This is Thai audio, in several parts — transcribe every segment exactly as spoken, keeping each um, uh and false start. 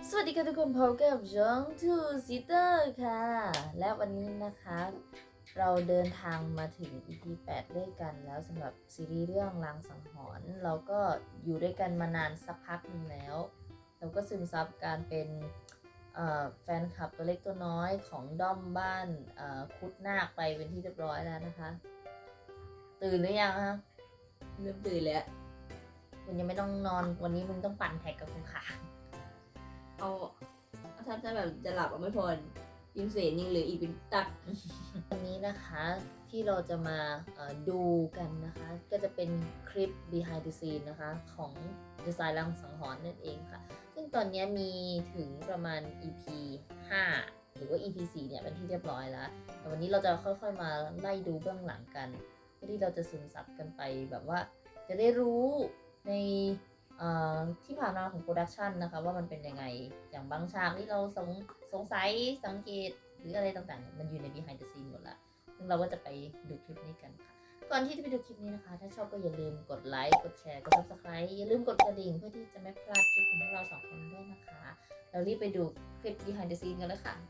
สวัสดีค่ะทุกคนพบกับช่องทูซิเตอร์ค่ะและวันนี้นะคะเราเดินทางมาถึง อี พี แปดด้วยกันแล้วสำหรับซีรีส์เรื่องลางสังหรณ์เราก็อยู่ด้วยกันมานานสักพักหนึ่งแล้วเราก็ซึมซับการเป็นแฟนคลับตัวเล็กตัวน้อยของด้อมบ้านคุดนาคไปเป็นที่เรียบร้อยแล้วนะคะตื่นหรือยังคะเริ่มตื่นแล้วคุณยังไม่ต้องนอนวันนี้มึงต้องปั่นแท็กกับคุณขาเอาถ้าจะแบบจะหลับอ่ะไม่พอยิมเสนยังเหลืออีกเป็นตักวันนี้นะคะที่เราจะมาดูกันนะคะก็จะเป็นคลิป behind the scene นะคะของดีไซน์ลางสังหรณ์นั่นเองค่ะซึ่งตอนนี้มีถึงประมาณ อี พี ห้าหรือว่า อี พี สี่เนี่ยเป็นที่เรียบร้อยแล้วแต่วันนี้เราจะค่อยๆมาไล่ดูเบื้องหลังกันเพื่อที่เราจะซึมซับกันไปแบบว่าจะได้รู้ในที่ผ่านมาของโปรดักชันนะคะว่ามันเป็นยังไงอย่างบางฉากที่เราสงสงสัยสังเกตหรืออะไรต่างๆมันอยู่ใน behind the scene หมดแล้วซึ่งเราก็จะไปดูคลิปนี้กันค่ะก่อนที่จะไปดูคลิปนี้นะคะถ้าชอบก็อย่าลืมกดไลค์กดแชร์กด ซับสไครบ์ อย่าลืมกดกระดิ่งเพื่อที่จะไม่พลาดคลิปของพวกเราสองคนด้วยนะคะเรารีบไปดูคลิป behind the scene กันเลยค่ะ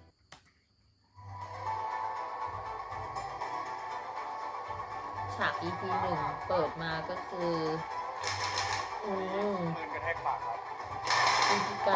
ฉาก อี พี หนึ่งเปิดมาก็คืออืมปืนกระแทกปากครับคุยกัน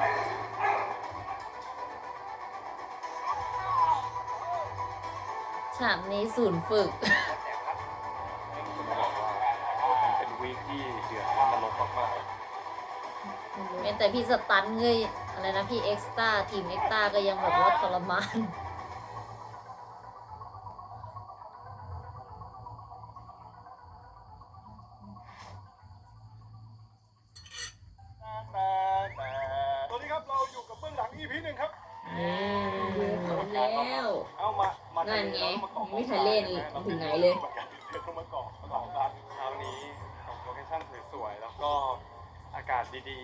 ฉากในศูนย์ฝึกผมบอกว่ามันเป็นวีคที่เดือดและนรกมากแม้แต่พี่สตันเงยอะไรนะพี่เอ็กซ์ต้าทีมเอ็กซ์ต้าก็ยังแบบว่าทรมานสวัสดีครับเราอยู่กับเบื้องหลัง อี พี หนึ่งครับเดือดแล้วเอามามานั่นไงไม่ทันเล่นถึงไหนเลยเดี๋ยวต้องมาเกาะมาเกาะกันเช้านี้ของโลเคชั่นสวยๆแล้วก็อากาศดี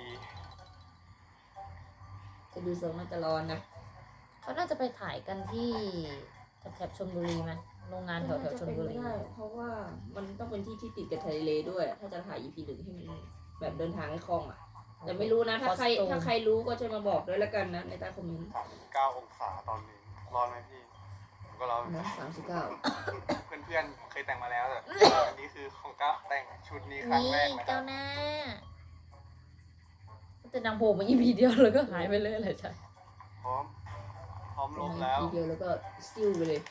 จะดูทรงน่าจะร้อนนะเขาน่าจะไปถ่ายกันที่แถบชลบุรีไหมโรงงานแถวแถวชลบุรีเพราะว่ามันต้องเป็นที่ที่ติดกับทะเลด้วยถ้าจะถ่าย อี พี หนึ่งให้มันแบบเดินทางให้คล่องอ่ะแต่ไม่รู้นะถ้าใครถ้าใครรู้ก็จะมาบอกด้วยแล้วกันนะในใต้คอมเมนต์ๆสามสิบเก้าองศาตอนนี้ร้อนไหมพี่ผมก็ร้อนนะสามสิบเก้าเพื่อนๆเคยแต่งมาแล้วแต่อันนี้คือของก้าแต่งชุดนี้ครั้งแรกนะครัเจ้าบหน้าแต่นางโผล่มา อี พี เดียวแล้วก็หายไปเลยเลยใช่พร้อมพร้อมลบแล้วทีเดียวแล้วก็ซิ่วไปเลย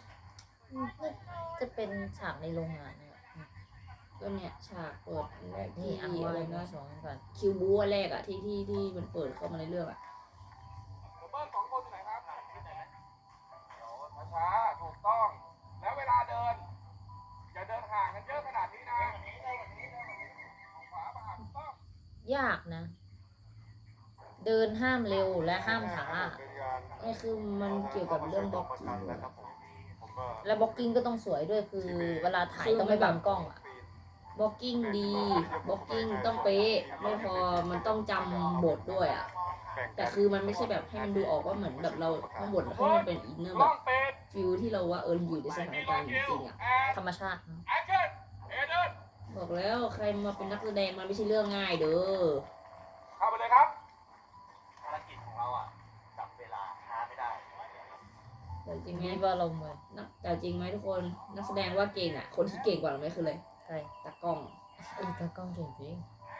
จะเป็นฉากในโรงงานเนี่ยก็เนี่ยฉากเปิดแรกที่อะไรนะสองก่อนคิวบูแรกอะที่ที่ที่มันเปิดเข้ามาในเรื่องอะเบิ้ลสองคนอยู่ไหนครับเดี๋ยวช้าๆถูกต้องแล้วเวลาเดินอย่าเดินห่างกันเยอะขนาดนี้นะขวามาถูกต้องยากนะเดินห้ามเร็วและห้ามช้านี่คือมันเกี่ยวกับเรื่องบล็อกกิ้งและบล็อกกิ้งก็ต้องสวยด้วยคือเวลาถ่ายต้องไม่บังกล้องอะบล็อกกิ้งดีบล็อกกิ้งต้องเป๊ะไม่พอมันต้องจำบทด้วยอ่ะแต่คือมันไม่ใช่แบบให้มันดูออกว่าเหมือนแบบเราทั้งบทให้มันเป็นอินเนอร์แบบฟิลที่เราว่าเอออยู่ในสถานการณ์จริงๆอ่ะธรรมชาติบอกแล้วใครมาเป็นนักแสดงมันไม่ใช่เรื่องง่ายเด้อเข้าไปเลยครับภารกิจของเราอ่ะจับเวลาช้าไม่ได้แต่จริงไหมว่าเราเหมือนนักแต่จริงไหมทุกคนนักแสดงว่าเก่งอ่ะคนที่เก่งกว่าเราไม่คือเลยใช่ตากล้องเออตากล้องเก่งจริง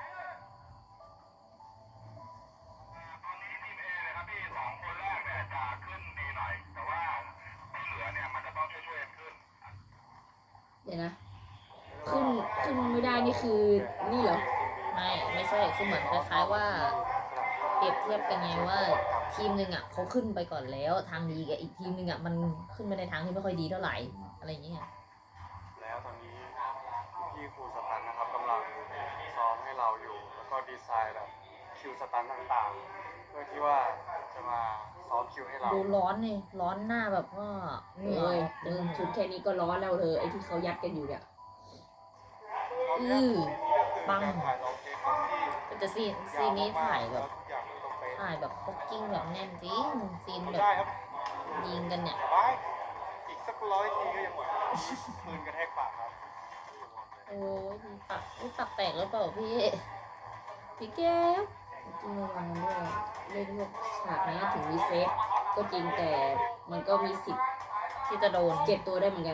เดี๋ยวนะขึ้นขึ้นไม่ได้นี่คือนี่เหรอไม่ไม่ใช่คือเหมือนคล้ายๆว่าเปรียบเทียบกันไงว่าทีมหนึ่งอ่ะเขาขึ้นไปก่อนแล้วทางดีกับอีกทีมหนึ่งอ่ะมันขึ้นไปในทางที่ไม่ค่อยดีเท่าไหร่อะไรอย่างเงี้ยแล้วตอนนี้พี่ครูสตันนะครับกำลังซ้อมให้เราอยู่แล้วก็ดีไซน์แบบคิวสตันต่างๆเพื่อที่ว่าจะมาซ้อมคิวให้เราดูร้อนนี่ร้อนหน้าแบบว่าเหนื่อยเดินชุดแค่นี้ก็ร้อนแล้วเธอไอ้ที่เขายัดกันอยู่เนี่ยอือปังแต่ซีนซีนนี้ถ่ายแบบถ่ายแบบพ็อกกิ้งแบบแน่นจริงซีนแบบยิงกันเนี่ยอีกสักร้อยทีก็ยังไหวปืนกระแทกปากครับโอ้ยปากปากแตกแล้วเปล่าพี่พี่แก้วจริงระวังด้วยเล่นพวกฉากนี้ถึงมีเซฟก็จริงแต่มันก็มีสิทธิ์ที่จะโดนเจ็บตัวได้เหมือนกัน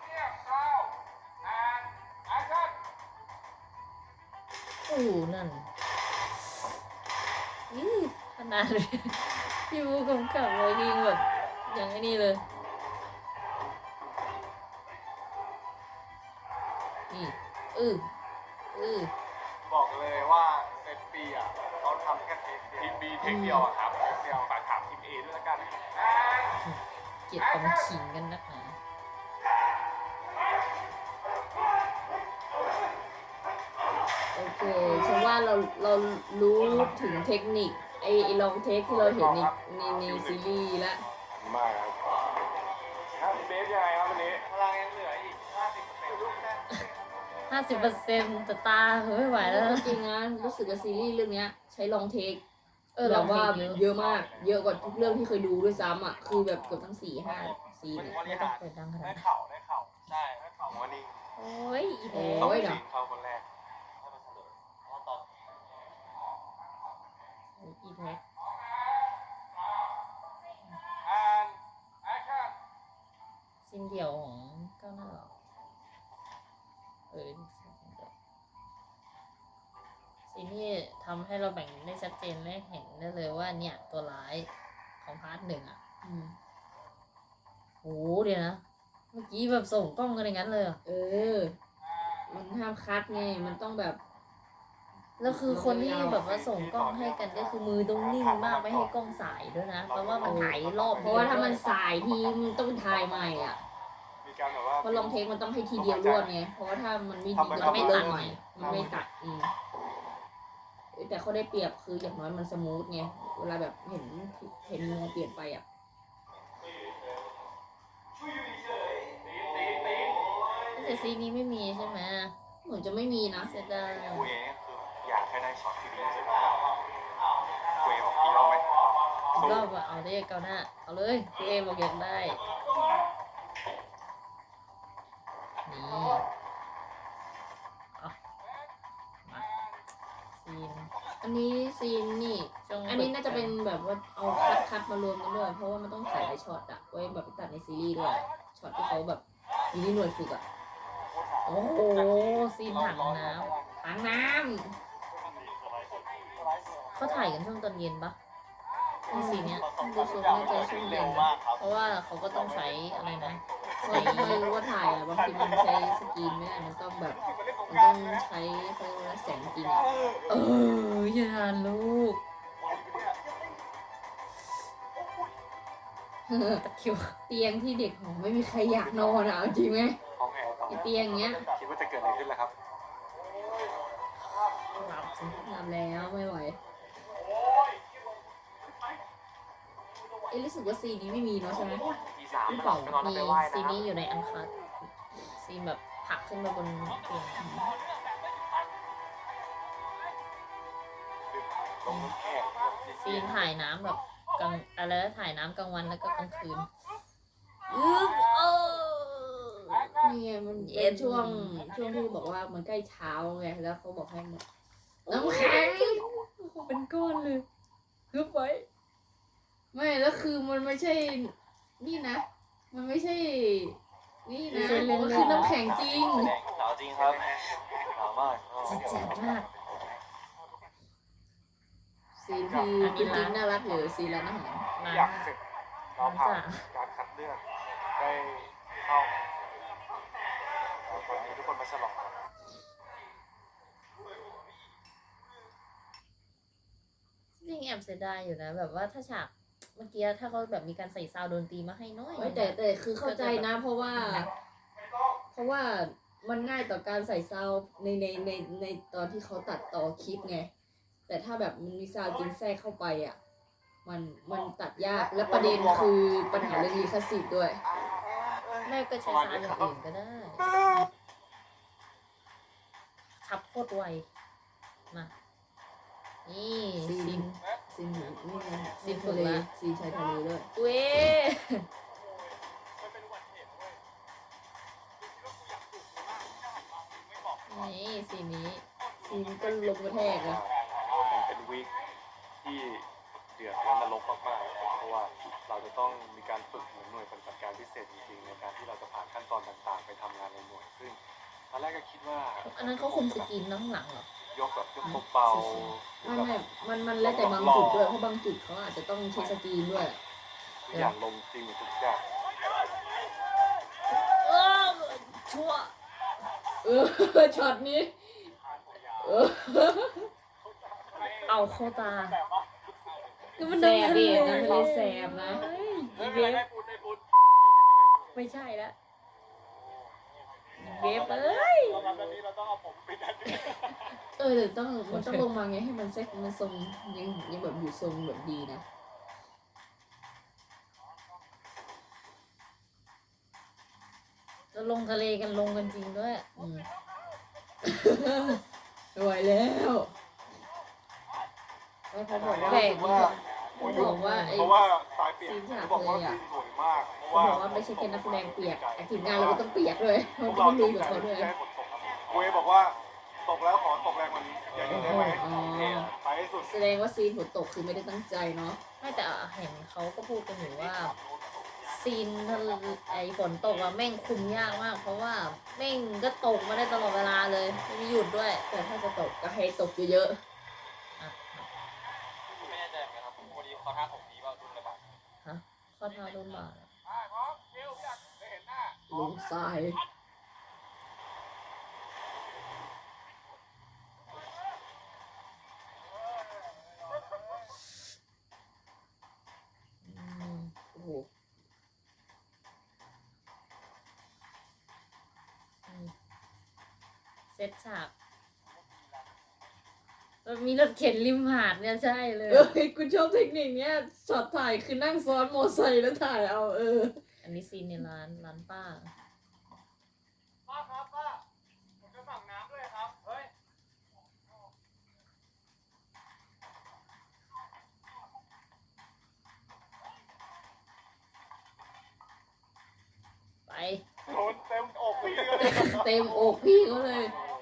โอ้โหนั่นนี่ขนาดเลยพี่บูกำกับเลยยิงแบบอย่างไอ้นี่เลยนี่อืออือบอกเลยว่าเซตปีอ่ะเขาทำแค่เทคเดียวทีมบีเทคเดียวอะครับเทคเดียวฝากถามทีมเอด้วยละกันเกลียดความขิงกันนักหนาโอเคฉันว่าเราเรารู้ถึงเทคนิคไอ้ไอ้ลองเทคที่เราเห็นในในในซีรีส์แล้วมากครับครับเบสยังไงครับวันนี้พลังยังเหลืออีกห้าสิบเปอร์เซ็นต์ลูกแค่ห้าสิบเปอร์เซ็นต์แต่ตาเฮ้ยไม่ไหวแล้วจริงนะรู้สึกว่าซีรีส์เรื่องเนี้ยใช้ลองเทคเออแบเราบว่าเยอะเยอะมาก เยอะกว่าทุกเรื่องที่เคยดูด้วยซ้ำอ่ะคือแบบเกือบทั้งสี่ห้าซีนมันเนี่ยบริไม่ต้อหาง รเปิดดังขนาได้ดนั้นเข่าได้เข่าใช่ได้เข่าวันนี้โอ้ยอีแดโอ้งยเดี๋ยวเข้าคนแรกให้มันเฉลยเพราะว่าตอนอีแท็ก and action ซินเดี่ยวของก้าวหน้าเหรอเออซินเดี่ยวซีนที่ทำให้เราแบ่งได้ชัดเจนและเห็นได้เลยว่าเนี่ยตัวร้ายของพาร์ทหนึ่งอ่ะอืมโหเดี๋ยวนะ เมื่อกี้แบบส่งกล้องกันอย่างนั้นเลยเหรอเออ มันห้ามคัดไงมันต้องแบบแล้วคือคนที่แบบว่าส่งกล้องให้กันก็คือมือต้องนิ่งมากไม่ให้กล้องสายด้วยนะเพราะว่ามันถ่ายรอบเพราะว่าถ้ามันสายทีมันต้องถ่ายใหม่อ่ะมีการแบบว่าเพราะลองเทคมันต้องให้ทีเดียวรวดไงเพราะว่าถ้ามันไม่ดีมันก็ไม่เริ่มใหม่มันไม่ตัดอืมเอ้ยแต่เขาได้เปรียบคืออย่างน้อยมันสมูทไงเวลาแบบเห็นเห็นมุมเปลี่ยนไปอ่ะแต่ซีนนี้ไม่มีใช่ไหมเหมือนจะไม่มีนะเสียดายคุยเองคืออยากให้ได้ช็อตที่ดีที่สุดคุยบอกกี่รอบไหมอีกรอบอะเอาได้เกาหน้าเอาเลยพี่เอบอกอยากได้นี่เอามาซีนอันนี้ซีนนี่ช่วงอันนี้น่าจะเป็นแบบว่าเอาคัดคัดมารวมกันด้วยเพราะว่ามันต้องถ่ายหลายช็อตอะไว้แบบไปตัดในซีรีส์ด้วยช็อตที่เขาแบบอยู่ที่หน่วยฝึกอะโอ้โหซีนถังน้ถังน้ำเขาถ่ายกันช่วงตอนเย็นปะำซีนเนี้ยดูทรงน่าจะช่วงเย็นมากครับเพราะว่าเขาก็ต้องใช้อะไรนะเพราะใช้ไม่รู้ว่าถ่ายอะบางทีมันใช้สกรีนไม่ได้มันต้องแบบมันต้องใช้เขาเรียกว่าแสงจริงอะเอออย่าลูกตะคริวเตียงที่เด็กหอไม่มีใครอยากนอนอะเอาจริงไหมห้องแอร์ไอเตียงเงี้ยคิดว่าจะเกิดอะไรขึ้นล่ะครับหลับสิหลับแล้วไม่ไหวเอ้รู้สึกว่าซีนนี้ไม่มีเนาะใช่ไหมทีสามหรือหเปล่าลับไปนอนมีไปไหว้ซีนนะนี้อยู่ในอันคัทซีนแบบผลักขึ้นมาบนเตียงลงน้ำแข็งซีนถ่ายน้ำแบบกลางอะไรนะถ่ายน้ำกลางวันแล้วก็กลางคืนอึ๊บโอ้นี่ไงมันเย็เป็นนช่วงช่วงที่บอกว่ามันใกล้เช้าไงแล้วเขาบอกให้มันน้ำแข็งเป็นก้อนเลยฮึบไว้ไม่แล้วคือมันไม่ใช่นี่นะ มันไม่ใช่ นี่นะมันคือน้ำแข็งจริงหนาวจริงครับหนาวมากจิตจัดมากซีนที่จริงๆน่ารักหรือซีนร้านอาหารมาอยากเสร็จเราผ่านการคัดเลือกได้เข้าตอนนี้ทุกคนมาฉลองกันจริงแอบเสียดายอยู่นะ แบบว่าถ้าฉากเมื่อกี้ถ้าเขาแบบมีการใส่ซาวด์ดนตรีมาให้น้อยเอ้ยแต่แต่คือเข้าใจนะ เพราะว่า เพราะว่ามันง่ายต่อการใส่ซาวด์ในในในในตอนที่เขาตัดต่อคลิปไง แต่ถ้าแบบมันมีซาวด์จริงแทรกเข้าไปอ่ะ มันมันตัดยาก และประเด็นคือปัญหาเรื่องลิขสิทธิ์ด้วยแม่ก็ใช้ซาวด์อย่างอื่นก็ได้ขับโคตรไวมานี่ซีนซินซีนหนูนี่ไงซีซีนนฝึทะกเลละซีนชายทะเลด้วยเว้ย นี่สีนี้ซีนก็ลงกระแทกอะมันเป็นวีคที่เดือดและนรกมากๆนะครับเพราะว่าเราจะต้องมีการฝึกเหมือนหน่วยปฏิบัติการพิเศษจริงๆในการที่เราจะผ่านขั้นตอนต่างๆ ไปทำงานในหน่วยซึ่งตอนแรกก็คิดว่าอันนั้นเขาคุมสกรีนน้ำหลังเหรอยกแบบยกเบาๆไม่ไม่มันมันแล้วแต่บางจุดด้วยเพราะบางจุดเขาอาจจะต้องใช้สกรีนด้วยทุกอย่างลงจริงทุกอย่างเออชั่วเออช็อตนี้เออเอาเข้าตาคือมันแสบดิมันเลยแสบนะไม่เป็นไรได้พูดได้พูดไม่ใช่แล้วเวฟเอ้ยเราแบบนี้เราต้องเอาผมปิดอันนี้เออเดี๋ยวต้องมันต้องลงมาไงให้มันเซ็ตมันทรงยังยังแบบอยู่ทรงแบบดีนะจะลงทะเลกันลงกันจริงด้วยอืมไม่ไหวแล้วไม่พอบอกว่าแบกว่าเขาบอกว่าไอ้เพราะว่าสายเปียกซีนฉากเขาบอกว่าเลยอะซีนสวยมากเพเขาราะว่าบอกว่าไม่ใช่แค่นักแสดงเปียกไอ้ทีมงานเราก็ต้องเปียกด้วยพเราวกต้เราองตลุยกกับใจเขาด้วยที่ให้ฝนตกครับเวย์บอกว่าตกแล้วขอตกแรงกว่านี้อย่างนี้ได้ไหมอ๋อไปให้สุดแสดงว่าซีนฝนตกคือไม่ได้ตั้งใจเนาะไม่แต่เห็นเขาก็พูดกันอยู่ว่าซีนทะเลไอฝนตกอะแม่งคุมยากมาก เพราะว่าแม่งก็ตกมาได้ตลอดเวลาเลยไม่มีหยุดด้วยแต่ถ้าจะตกก็ให้ตกเยอะอ่ะไม่แน่ใจเหมือนกันครับผมวันนี้เขาท้าผมดีว่ารุ่นระบาดฮะข้อเท้าโดนบาดอะไปพร้อมคิวอยากได้เห็นหน้าๆลงทรายอืมโอ้โหอืมเซตฉากมันมีรถเข็นริมหาดเนี่ยใช่เลยเอ้ยกูชอบเทคนิคเนี้ยช็อตถ่ายคือนั่งซ้อนมอไซค์แล้วถ่ายเอาเอออันนี้ซีนในร้านร้านป้าป้าครับป้าผมจะสั่งน้ำด้วยครับเฮ้ยไปโดนเต็มอกพี่เลยเต็มอกพี่เขาเลย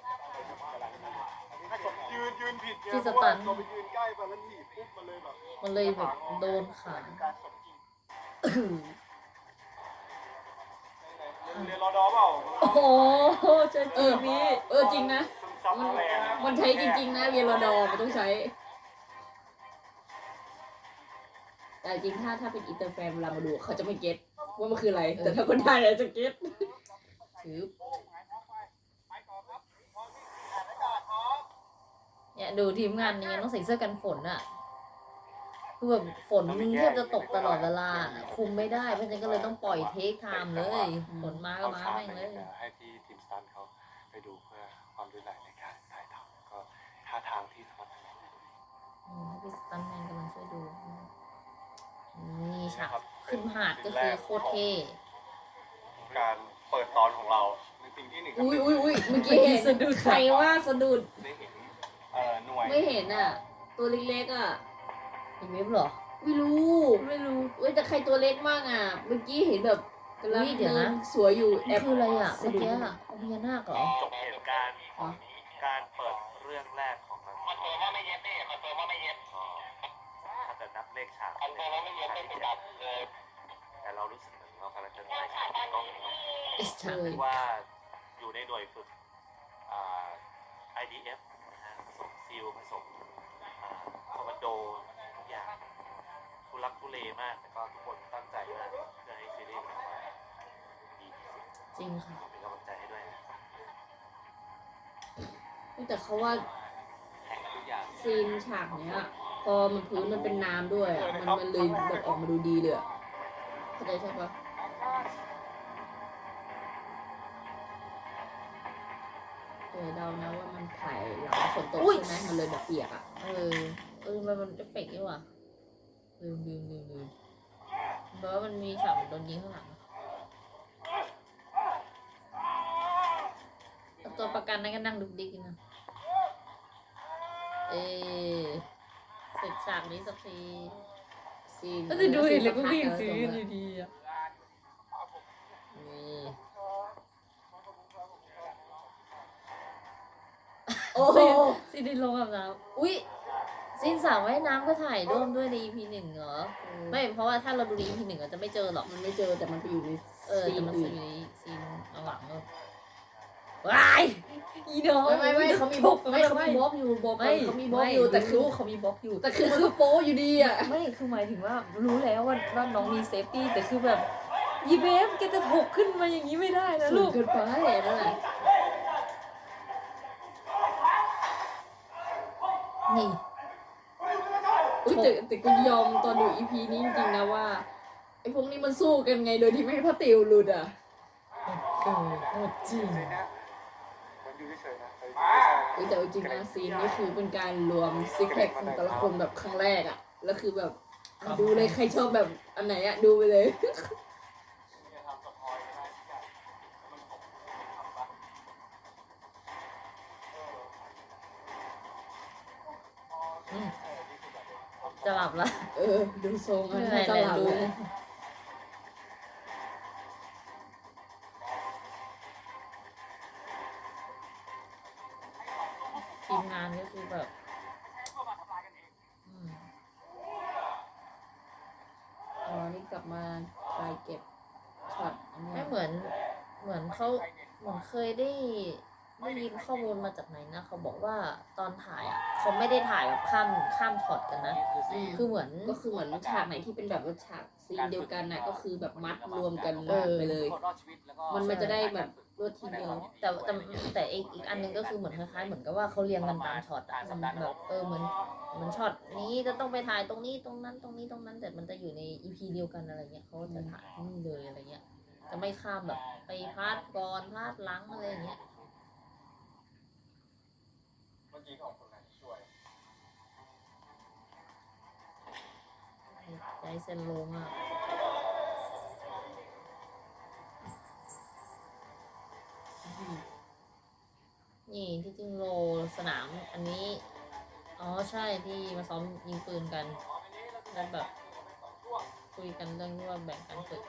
ยืนยืนผิดไงที่เพสราะตัว่าน เราไปยืนใกล้ไปแล้วหนีบปุ๊บมันเลยแบบมันเลยแบบโดนขาการสมจริงเรียนรอดอเปล่าโอ้โหเจอเอจีอนี้เออจริงนะซึมซับมันแรงมันใช้จริง ๆ นะเรียนรอดอมันต้องใช้ แต่จริงถ้าถ้าเป็นอินเตอร์แฟนเวลามาดูเขาจะไม่เก็ตว่ามันคืออะไร แต่ถ้าคนไทยอาจจะเก็ตถือไปต่อครับพร้อมที่อ่านอากาศพร้อมเนี่ยดูทีมงานนี้ต้องใส่เสื้อกันฝนอะคือแบบฝนมึงแทบจะตกตลอดเวลา คุมไม่ได้เพราะฉะนั้นก็เลยต้องปล่อยเทคไทม์เลย ฝนมาก็มาแม่งเลยให้ที่ทีมสตันเขาไปดูเพื่อความรู้ไหลในการถ่ายทำก็ท่าทางที่สมรรถนะอืมให้พี่สตันแมนกำลังช่วยดูนี่ฉากขึ้นหาดก็คือโคตรเท่การเปิดตอนของเราในสิ่งที่หนึ่งอุ้ยอุ้ยอุ้ยเมื่อกี้เห็นใครว่าสะดุดได้เห็นเอ่อหน่วยไม่เห็นอ่ะ ตัวเล็กๆอ่ะอีเว็บเหรอไม่รู้ไม่รู้เว้ยแต่ใครตัวเล็กมากอ่ะ เมื่อกี้เห็นแบบกำลังอุ๊ยเดี๋ยวเดินะนสวยอยู่แอนี่บคืออะไรอ่ะสะเมื่อดุดกี้อะเอาพญานาคเหรอจบเหตุการณ์ของการเปิดเรื่องแรกของมันคอนเฟิร์มว่าไม่เย็บดิคอนเฟิร์มว่าไม่เย็บถ้าจะนับเลขฉากคอนเฟิร์มว่าไม่เย็บเป็นดับเลยแต่เรารู้สึกเหมือนเรากำลังจะได้ฉากกล้องไอ้ฉากเลยว่าอยู่ในหน่วยฝึกอ่า ไอ ดี เอฟ นะฮะผสมซิลผสมอ่าคอมมานโดทุกอย่างทุลักทุเลมากแต่ก็ทุกคนตั้งใจมากเพื่อให้ซีรีส์มันออกมาดีที่สุดจริงค่ะเป็นกำลังใจให้ด้วยนะแต่เขาว่าแข่งทุกอย่างซีนฉากเนี้ย พอมันพื้นมันเป็นน้ำด้วยอะมันมันเลยแบบออกมาดูดีเลยอะเข้าใจใช่ปะเออเดานะว่ามันถ่ายหลังฝนตกอุ๊ยใช่ไหมมันเลยแบบเปียกอ่ะเออ เออมันมันเอฟเฟกต์นี่หว่ะลืมลืมลืมลืมเพราะว่ามันมีฉากโดนยิงข้างหลังเอาตัวประกันนั่นก็นั่งดุกดิกอยู่นะเออเสร็จฉากนี้สักทีซีนก็จะดูเห็นเลยก็ซีวิ่งนซื้อพักๆดีๆอ่ะนี่โอ้โหซีนในโรงอาบน้ำอุ้ยซินสระว่ายน้ำก็ถ่ายร่วมด้วยใน อี พี หนึ่งเหรอ ไม่เพราะว่าถ้าเราดูใน อี พี หนึ่งเราจะไม่เจอหรอกมันไม่เจอแต่มันไปอยู่ในเออซีแต่นมันอื่จะนอยู่ในซีนหลังๆเลยว้ายอีน้องไม่ไม่ไม่เขามีบล็อกไม่เขามีบล็อกอยู่บล็อกไม่เขามีบล็อกอยู่แต่คือรู้เขามีบล็อกอยู่แต่คือมันก็โป๊อยู่ดีอ่ะไม่คือหมายถึงว่ารู้แล้วว่าว่าน้องมีเซฟตี้แต่คือแบบยีเบฟแกจะถกขึ้นมาอย่างนี้ไม่ได้นะสูลูงกเกินไปนั่นแหละนี่อุ๊ยแต่แต่ก็ยอมตอนดูอีพีนี้จริงๆนะว่าไอ้พวกนี้มันสู้กันไงโดยที่ไม่ให้พระติวหลุดอ่ะเกิดโหดจริงซีนเนี้ยมันอยู่เฉยๆนะแต่เฮ้ยแต่เอาจริงนะซีนนี้คือเป็นการรวมซิกแพคของแต่ละคนแบบครั้งแรกอ่ะแล้วคือแบบอ่ะดูเลยใครชอบแบบอันไหนอ่ะดูไปเลยจะทำสปอยไม่ได้ทุกอย่างมันผมทำปะอืมจะหลับละเออดูทรงอันไม่นี้เป็นตไรลาดรู้เลยทีมงานก็คือแบบอืมอ๋อนี่กลับมาไปเก็บช็อตอันไม่เนี้ยเหมือนเหมือนเขาเหมือนเคยได้ได้ยินข้อมูลมาจากไหนนะเขาบอกว่าตอนถ่ายอ่ะเขาไม่ได้ถ่ายแบบข้ามข้ามช็อตกันนะอืมคือเหมือนก็คือเหมือนฉากไหนที่เป็นแบบว่าฉากซีนเดียวกันน่ะก็คือแบบมัดรวมกันเออไปเลย มันมันจะได้แบบรวดทีเดียวแต่แต่แต่อีกอีกอันหนึงก็คือเหมือนคล้ายๆเหมือนกับว่าเขาเรียงกันตามช็อตอะมันแบบเออเหมือนเหมือนช็อตนี้จะต้องไปถ่ายตรงนี้ตรงนั้นตรงนี้ตรงนั้น แต่มันจะอยู่ในอีพีเดียวกันอะไรเงี้ยเขาก็จะถ่ายที่นี่เลยอะไรเงี้ยจะไม่ข้ามแบบไปพาดก่อนพาดหลังอะไรอย่างเงี้ยเมื่อกี้ของคนไหนช่วยใจเซนโลมากนี่ที่จริงโลสนามอันนี้อ๋อใช่ที่มาซ้อมยิงปืนกันแล้วแบบคุยกันเรื่องที่ว่าแบ่งกันฝึก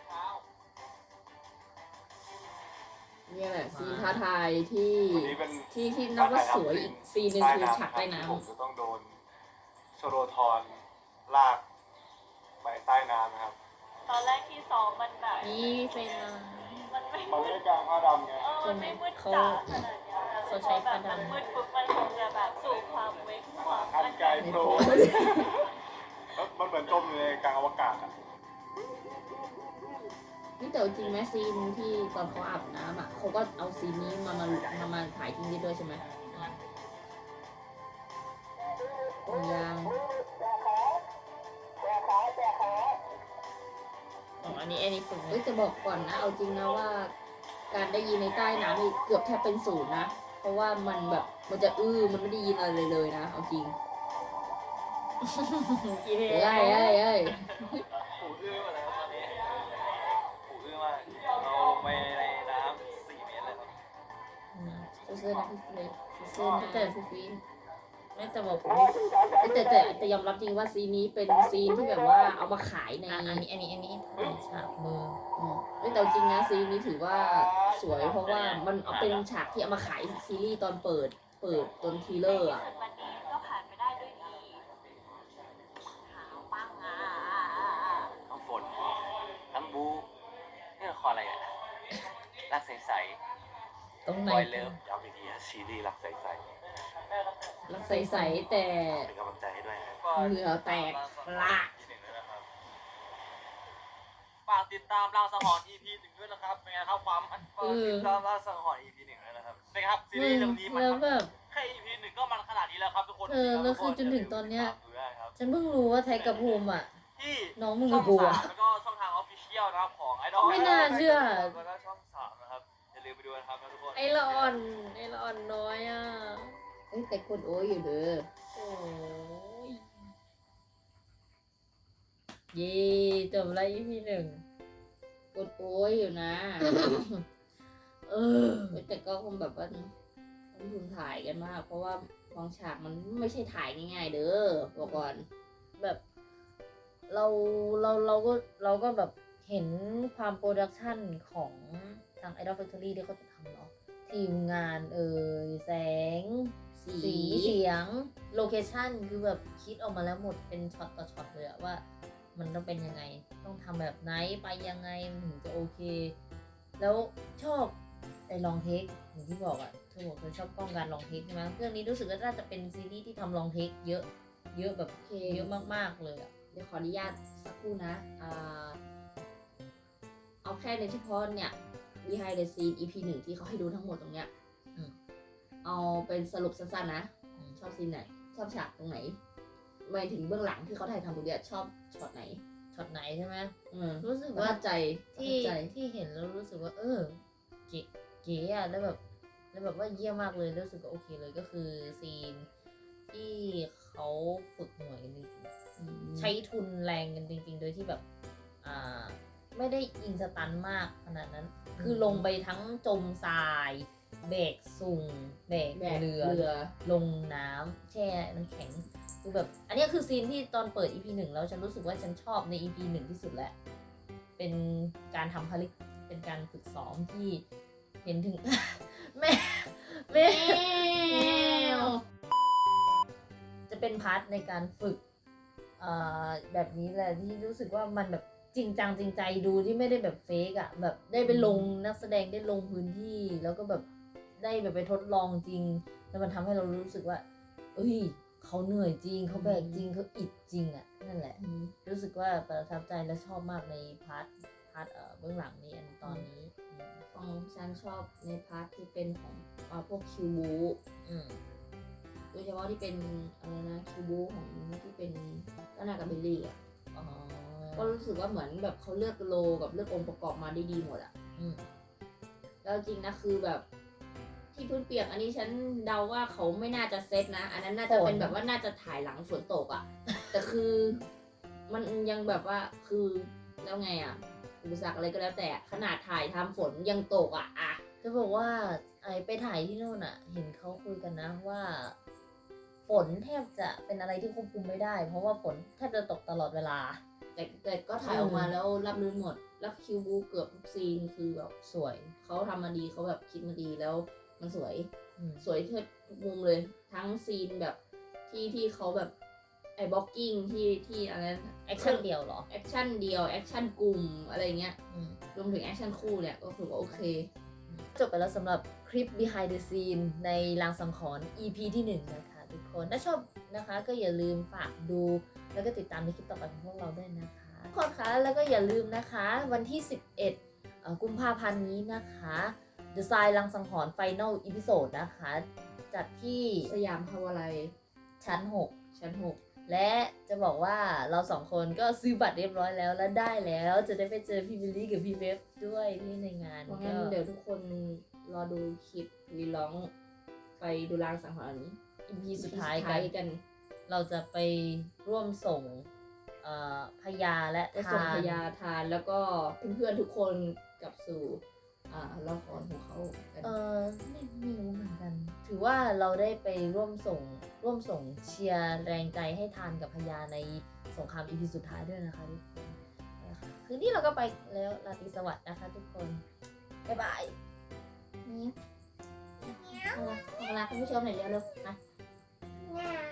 เนี่ยแหละซีนท้าทายที่วันนี้เป็นที่ที่นับว่าสวยอีกซีนหนึ่งคือฉากใต้น้ผมจะต้องโดนโชโรทอนลากไปใต้น้ำนะครับตอนแรกที่ซ้อมมันแบบนี่เฟรนมามันไม่มันมืไม่ดได้กลางผ้าดำไงเออมันไม่มืดเขาจ๋าขนาดเนี้ยเขาใช้แบบผ้าดำมันมืดปุ๊บมันคงจะแบบสู่ความเวกความอันไกลำโปรแล้วมันเหมือนจมอยู่ในกลางอวกาศอ่ะนี่แต่เอาจริงไหมซีนที่ตอนเขาอาบน้ำอ่ะเขาก็เอาซีนนี้มามามามาถ่ายจริงได้ด้วยใช่ไหมยังอ๋ออันนี้อันนี้ฝึกเอ้ยจะบอกก่อนนะ เอาจริงนะว่า การได้ยินในใต้น้ำนี่เกือบแทบเป็นศูนย์นะ เพราะว่ามันแบบมันจะอื้อมันไม่ได้ยินอะไรเลยนะ เอาจริงกี่เพลเอ้ยเอ้ยเอ้ยหูอื้อมาแล้วตอนนี้หูอื้อมากเราลงไปในน้ำสี่เมตรเลยครับเสื้อนะพี่เล็กเสื้อนะแต่พี่ฟินไม่แต่บอกผมแต่แต่แต่ยอมรับจริงว่าซีนนี้เป็นซีนที่แบบว่าเอามาขายในอ่ะอันนี้อันนี้อันนี้ถ่ายฉากมืออืมเอ้ยแต่จริงนะซีนนี้ถือว่าสวยเพราะว่ามันเอาเป็นฉากที่เอามาขายซีรีส์ตอนเปิด เปิดตอนทีเลอร์อ่ะส่วนวันนี้ก็ผ่านไปได้ด้วยดีขาวปังอ่ะทั้งฝนทั้งบูนี่ละครอะไรอ่ะรักใสตรงๆไหนบอยเลิฟย้ำอีกทีนะซีรีส์รักใสรักใสๆแต่ๆเป็นกำลังใจให้ด้วยนะเหงื่อแตกละฝากติดตามรางสังหรณ์ อี พี หนึ่งด้วยนะครับ เป็นไงครับความมันฝากติดตามรางสังหรณ์ อี พี หนึ่งด้วยนะครับ เป็นไงครับซีมึรีส์งเรื่องนี้มันแล้วแบบแค่ อี พี หนึ่งก็มันขนาดนี้แล้วครับทุกคนเออแล้วคือจนถึงตอนเนี้ยดูได้ครับฉันเพิ่งรู้ว่าไทยกับภูมิอ่ะที่น้องมึงช่กัอบ งกูสาอ่ะมแล้วก็ช่องทางออฟฟิเชียลนะครับของไอดอลไม่น่าเชื่อแล้วก็ช่องสามนะครับอย่าลืมไปดูนะครับทุกคนไอ้ละอ่อนไอ้ละอ่อนน้อยอ่ะเอ้ยแต่คนโอ้ยอยู่เด้อโอ้ยเย่จบแล้ว อี พี หนึ่งคนโอ้ยอยู่นะเออเอ้ยแต่ก็คงแบบว่าต้องทุนถ่ายกันมาก เพราะว่าบางฉากมันไม่ใช่ถ่ายง่ายๆเด้อบอกก่อนแบบเราเราเราก็เราก็แบบเห็นความโปรดักชันของทาง Idol Factory ที่เขาจะทำเนาะทีมงานเอ่ยแสงสีสีเสียงโลเคชั่นคือแบบคิดออกมาแล้วหมดเป็นช็อตต่อช็อตเลยอะว่ามันต้องเป็นยังไงต้องทำแบบไหนไปยังไงมันถึงจะโอเค แล้วชอบไอ้ลองเทคอย่างที่บอกอะเธอบอกเธอชอบกล้องการลองเทคใช่ไหมเรื่องนี้รู้สึกว่าน่าจะเป็นซีรีส์ที่ทำลองเทคเยอะเยอะแบบโอเคเยอะมากๆเลยอะเดี๋ยวขออนุญาตสักครู่นะอ่าเอาแค่ในเฉพาะเนี่ย behind the scene อี พี หนึ่งที่เขาให้ดูทั้งหมดตรงเนี้ยอืมเอาเป็นสรุปสั้นๆนะอืมชอบซีนไหน ชอบฉากตรงไหนหมายถึงเบื้องหลังที่เขาถ่ายทำตรงเนี้ยชอบช็อตไหนช็อตไหนใช่ไหมอืมรู้สึกประว่าทับใจประที่ทับใจที่เห็นแล้วรู้สึกว่า เออเก๋เก๋อะแล้วแบบแล้วแบบว่าเยี่ยมมากเลยรู้สึกว่าโอเคเลยก็คือซีนที่เขาฝึกหน่วยกันจริงๆใช้ทุนแรงกันจริง ๆ โดยที่แบบอ่าไม่ได้อินสตันมากขนาดนั้น คือลงไปทั้งจมทรายแบกสุ่งแบกแบกเรือเรือลงน้ำแช่น้ำแข็งคือแบบ อันนี้คือซีนที่ตอนเปิด อี พี หนึ่งแล้วฉันรู้สึกว่าฉันชอบใน อี พี หนึ่งที่สุดแหละ เป็นการทำภารกิจเป็นการฝึกซ้อมที่เห็นถึง แม่แม่วจะเป็นพาร์ทในการฝึกเอ่อแบบนี้แหละที่รู้สึกว่ามันแบบจริงจังจริงใจดูที่ไม่ได้แบบเฟกอะแบบได้ไปลงนักแสดงได้ลงพื้นที่แล้วก็แบบได้แบบไปทดลองจริง แล้วมันทำให้เรารู้สึกว่าเอ้ยเขาเหนื่อยจริงเขาแบกจริงเขาอิดจริงอะนั่นแหละ รู้สึกว่าประทับใจและชอบมากในพาร์ทพาร์ทเอ่อเบื้องหลังนี้อันตอนนี้อืมของฉันชอบในพาร์ทที่เป็นของอ่าพวกคิวบูอืมโดยเฉพาะที่เป็นอะไรนะคิวบูของที่เป็นก็นากับเบลลี่อ่ะอ๋อก็รู้สึกว่าเหมือนแบบเขาเลือกโลกับเลือกองค์ประกอบมาได้ดีหมดอ่ะอืมแล้วจริงนะคือแบบที่พื้นเปียกอันนี้ฉันเดาว่าเขาไม่น่าจะเซตนะ อันนั้นน่าจะเป็นแบบว่าน่าจะถ่ายหลังฝนตกอ่ะ แต่คือมันยังแบบว่าคือแล้วไงอ่ะอุปสรรคอะไรก็แล้วแต่ขนาดถ่ายทำฝนยังตกอ่ะอ่ะจะบอกว่าไอไปถ่ายที่โน่นอะเห็นเขาคุยกันนะว่า ฝนแทบจะเป็นอะไรที่ควบคุมไม่ได้ เพราะว่าฝนแทบจะตกตลอดเวลาแต่แต่ก็ถ่ายออกมาแล้วรับรื่นหมด แล้วคิวบูเกือบทุกซีนคือแบบสวยเขาทำมาดีเขาแบบคิดมาดีแล้วมันสวยอืมสวยทุกมุมเลย ทั้งซีนแบบที่ที่เขาแบบไอ้บล็อกกิ้งที่ที่อะไรแอคชั่นเดียวเหรอแอคชั่นเดียวแอคชั่นกลุ่มอะไรเงี้ยอืมรวมถึงแอคชั่นคู่เนี่ยก็คือว่าโอเคจบไปแล้วสำหรับคลิป behind the scene ในลางสังหรณ์ อี พี ที่หนึ่งนะคะทุกคน ถ้าชอบนะคะก็อย่าลืมฝากดูแล้วก็ติดตามในคลิปต่อไปของพวกเราด้วยนะคะทุกคนคะแล้วก็อย่าลืมนะคะวันที่ สิบเอ็ดเอ่อกุมภาพันธ์นี้นะคะ The Sign ลางสังหรณ์ Final Episode นะคะ จัดที่สยามพาวาไลชั้น หกชั้นหกและจะบอกว่าเราสองคนก็ซื้อบัตรเรียบร้อยแล้วและได้แล้วจะได้ไปเจอพี่บิลลี่กับพี่เวฟด้วยที่ในงานเพราะก็งั้นเดี๋ยวทุกคนรอดูคลิปรีร้องไปดูรางสังหรณ์อีพีสุดท้ายสุดกัท้ายนกันเราจะไปร่วมส่งเอ่อพยาและจะส่งทานพยาทานแล้วก็เพื่อนๆทุกคนกลับสู่อ่าละครของเขากันเออไม่ไม่รู้เหมือนกัน ถือว่าเราได้ไปร่วมส่งร่วมส่งเชียร์แรงใจให้ทานกับพยาในสงครามอีพีสุดท้ายด้วยนะคะทุกคนนะคะคืนนี้เราก็ไปแล้วราตรีสวัสดิ์นะคะทุกคน บ๊ายบายนี่เอาละเอาละคุณผู้ชมหน่อยเร็วๆนะเหงา